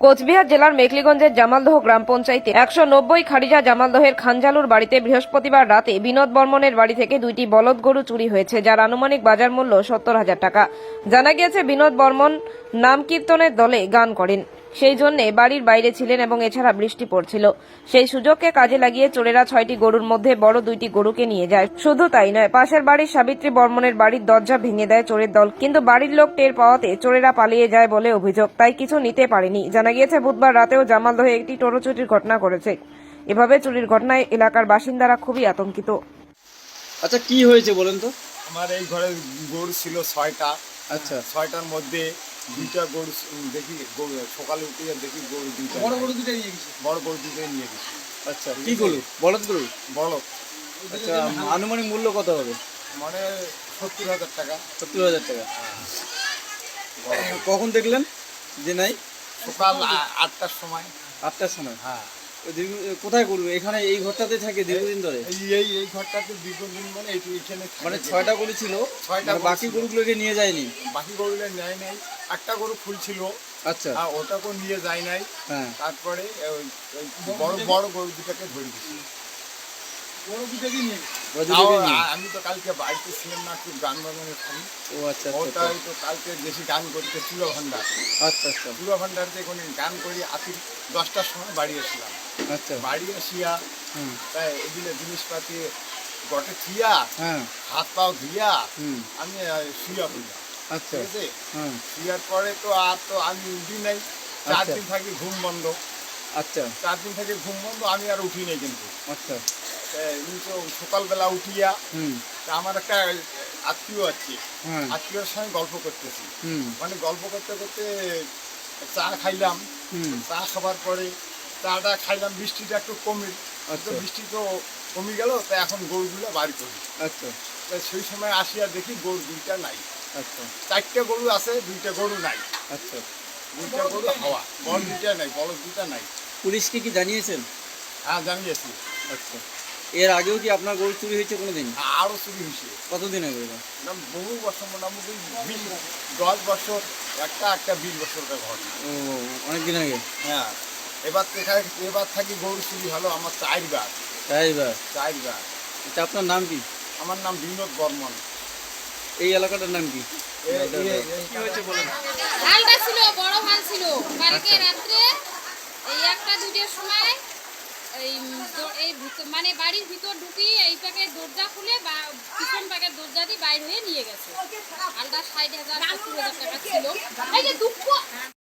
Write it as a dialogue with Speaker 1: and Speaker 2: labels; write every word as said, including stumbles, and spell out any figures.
Speaker 1: কোচবিহার জেলার মেখলিগঞ্জের জামালদহ গ্রাম পঞ্চায়েতে একশো নব্বই খারিজা জামালদহের খানজালুর বাড়িতে বৃহস্পতিবার রাতে বিনোদ বর্মনের বাড়ি থেকে দুইটি বলদ গরু চুরি হয়েছে, যার আনুমানিক বাজার মূল্য সত্তর হাজার টাকা। জানা গিয়েছে, বিনোদ বর্মন নাম কীর্তনের দলে গান করেন, সেই জন্য বাড়ির বাইরে ছিলেন এবং এছাড়া বৃষ্টি পড়ছিল। সেই সুযোগকে কাজে লাগিয়ে চোরেরা ছয়টি গরুর মধ্যে বড় দুইটি গরুকে নিয়ে যায়। শুধু তাই নয়, পাশের বাড়ির সাবিত্রী বর্মনের বাড়ির দরজা ভেঙে দেয় চোরের দল, কিন্তু বাড়ির লোক টের পাওয়াতে চোরেরা পালিয়ে যায় বলে অভিযোগ, তাই কিছু নিতে পারেনি। জানা গিয়েছে, বুধবার রাতেও জামালদহে একটি টোটো চুরির ঘটনা ঘটেছে। এভাবে চুরির ঘটনায় এলাকার বাসিন্দারা খুবই আতঙ্কিত।
Speaker 2: আচ্ছা, কি হয়েছে বলেন তো?
Speaker 3: আমার এই ঘরে গরু ছিল ছয়টা।
Speaker 2: আচ্ছা,
Speaker 3: ছয়টার মধ্যে দুইটা গরু দেখি, গরু সকালে উঠে দেখি গরু দুইটা,
Speaker 2: বড় গরু দুটো নিয়ে গেছে।
Speaker 3: বড় গরু দুটোই নিয়ে গেছি।
Speaker 2: আচ্ছা, কি গরু? বলদ গরু?
Speaker 3: বড়
Speaker 2: আচ্ছা, আনুমানিক মূল্য কত হবে?
Speaker 3: মানে সত্তর হাজার টাকা।
Speaker 2: সত্তর হাজার টাকা। কখন দেখলেন যে নাই?
Speaker 3: সকাল আ- আটটার সময়।
Speaker 2: আটটার সময়।
Speaker 3: হ্যাঁ,
Speaker 2: ওই দীর্ঘ- কোথায় গরু? এখানে এই ঘরটাতে থাকে দীর্ঘদিন ধরে?
Speaker 3: এই এই এই ঘরটাতে দীর্ঘদিন মানে এইটু এখানে থাকে।
Speaker 2: মানে ছয়টা গরু ছিল,
Speaker 3: ছয়টা
Speaker 2: মানে
Speaker 3: গরু
Speaker 2: বাকি
Speaker 3: ছিল।
Speaker 2: গরুগুলোকে নিয়ে যায়নি?
Speaker 3: বাকি গরুগুলো নেয় নাই। একটা গরু ফুল ছিল,
Speaker 2: আচ্ছা,
Speaker 3: আর ওটাকেও নিয়ে যায় নাই।
Speaker 2: হ্যাঁ।
Speaker 3: তারপরে ওই ওই বড় বড় গরু দুটাকে ধরে দিচ্ছি।
Speaker 2: ওরা দুটোকে নিয়ে
Speaker 3: তাও
Speaker 2: নিয়ে-
Speaker 3: আ- আমি তো কালকে বাড়িতে ছিলাম না, একটু গান বাজানো খালি।
Speaker 2: ও আচ্ছা, আচ্ছা,
Speaker 3: ওটাই তো কালকে বেশি গান করতে চুলো ভান্ডার।
Speaker 2: আচ্ছা, আচ্ছা,
Speaker 3: চুলো ভান্ডার থেকে গান করি আতি দশটার সময় বাড়ি আসলাম।
Speaker 2: আচ্ছা,
Speaker 3: বাড়ি আসিয়া
Speaker 2: হুম,
Speaker 3: তাই এগুলো জিনিসপাতি গটে থিয়া,
Speaker 2: হ্যাঁ,
Speaker 3: হাত পাও ধুইয়া
Speaker 2: হুম,
Speaker 3: আমি আহ, শুইয়া পড়লাম।
Speaker 2: আচ্ছা,
Speaker 3: ঠিক আছে,
Speaker 2: হ্যাঁ,
Speaker 3: শুয়ার পরে তো আর তো আমি উঠি নাই। চার
Speaker 2: আচ্ছা।
Speaker 3: দিন থাকি ঘুম বন্ধ।
Speaker 2: আচ্ছা,
Speaker 3: চার দিন থেকে ঘুম বন্ধ, আমি আর উঠি নাই। কিন্তু
Speaker 2: আচ্ছা,
Speaker 3: এই তো সকালবেলা উঠিয়া
Speaker 2: হুম,
Speaker 3: তা আমার একটা আত্মীয় আছে,
Speaker 2: হ্যাঁ,
Speaker 3: আত্মীয়র সঙ্গে গল্প করতেছি।
Speaker 2: হুম,
Speaker 3: মানে গল্প করতে করতে চা খাইলাম।
Speaker 2: হুম,
Speaker 3: চা খাবার পরে চাটা খাইলাম, বৃষ্টিটা একটু কমে,
Speaker 2: আচ্ছা,
Speaker 3: তো বৃষ্টি তো কমে গেল, তাই এখন গরুগুলো বাড়ি করি।
Speaker 2: আচ্ছা,
Speaker 3: তাই সেই সময় আসিয়া দেখি গরু দুইটা নাই।
Speaker 2: আচ্ছা,
Speaker 3: চারটে গরু আছে, দুইটা গরু নাই।
Speaker 2: আচ্ছা।
Speaker 3: দুইটা গরু হাওয়া, বড় দুইটা নাই, বড় দুইটা নাই।
Speaker 2: পুলিশকে কি জানিয়েছেন?
Speaker 3: হ্যাঁ, জানিয়েছি।
Speaker 2: আচ্ছা, এর আগেও কি আপনার গরু চুরি হয়েছে কোনোদিন?
Speaker 3: আরও চুরি হয়েছে।
Speaker 2: কতদিন আগে এটা?
Speaker 3: না, বহু বছর, মোটামুটি বিশ দশ বছর, একটা একটা বিশ বছরটা ঘটনা।
Speaker 2: ও, অনেকদিন আগে।
Speaker 3: হ্যাঁ, এবার থেকে এবার থাকি গরু চুরি হলো আমার চারবার।
Speaker 2: তাই বা?
Speaker 3: চারবার।
Speaker 2: আচ্ছা, আপনার নাম কি?
Speaker 3: আমার নাম বিনোদ বর্মন।
Speaker 2: এই এলাকাটার নাম কি?
Speaker 3: এ- এ- এ-
Speaker 2: কি হয়েছে বলেন?
Speaker 4: হালটা ছিল, বড় হাল ছিল। কালকে
Speaker 2: আচ্ছা।
Speaker 4: রাত্রে এই একটা দুইটার সময় এই দ- এই ভিতর- মানে বাড়ির ভিতর ঢুকি এই প্যাকের দরজা খুলে বা পিছন প্যাকের দরজা দিয়ে বাইরে হয়ে নিয়ে গেছে। হালটা ষাট হাজার সত্তর হাজার টাকা ছিল। এই যে দুঃখ